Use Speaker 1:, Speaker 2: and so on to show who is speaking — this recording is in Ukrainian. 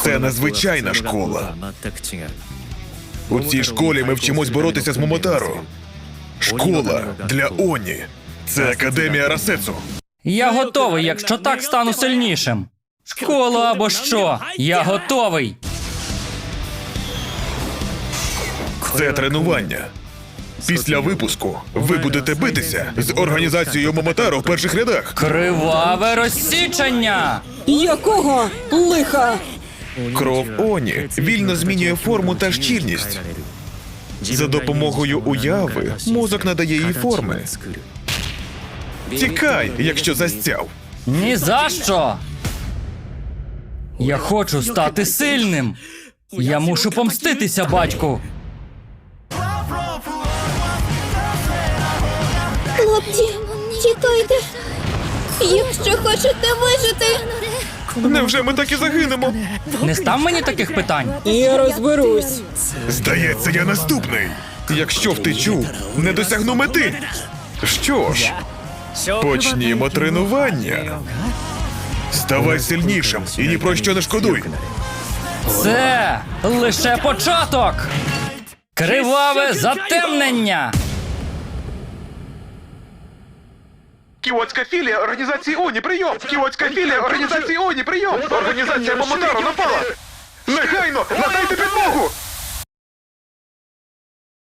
Speaker 1: Це незвичайна школа. У цій школі ми вчимось боротися з Момотаро. Школа для Оні. Це Академія Арасецу.
Speaker 2: Я готовий, якщо так стану сильнішим. Школа або що? Я готовий.
Speaker 1: Це тренування. Після випуску ви будете битися з організацією Момотаро в перших рядах.
Speaker 2: Криваве розсічення!
Speaker 3: Якого лиха?
Speaker 1: Кров Оні вільно змінює форму та щільність. За допомогою уяви мозок надає їй форми. Тікай, якщо застяв.
Speaker 2: Ні за що! Я хочу стати сильним. Я мушу помститися, батьку.
Speaker 4: Хлопці, тікайте. Якщо хочете вижити.
Speaker 1: Невже ми так і загинемо?
Speaker 2: Не став мені таких питань.
Speaker 3: Я розберусь.
Speaker 1: Здається, я наступний. Якщо втечу, не досягну мети. Що ж, почнімо тренування. Ставай сильнішим і ні про що не шкодуй.
Speaker 2: Це лише початок. Криваве затемнення.
Speaker 1: Кіотська філія організації Оні, прийом! Кіотська філія організації Оні, прийом! Організація Момотаро напала! Негайно! Надайте підмогу!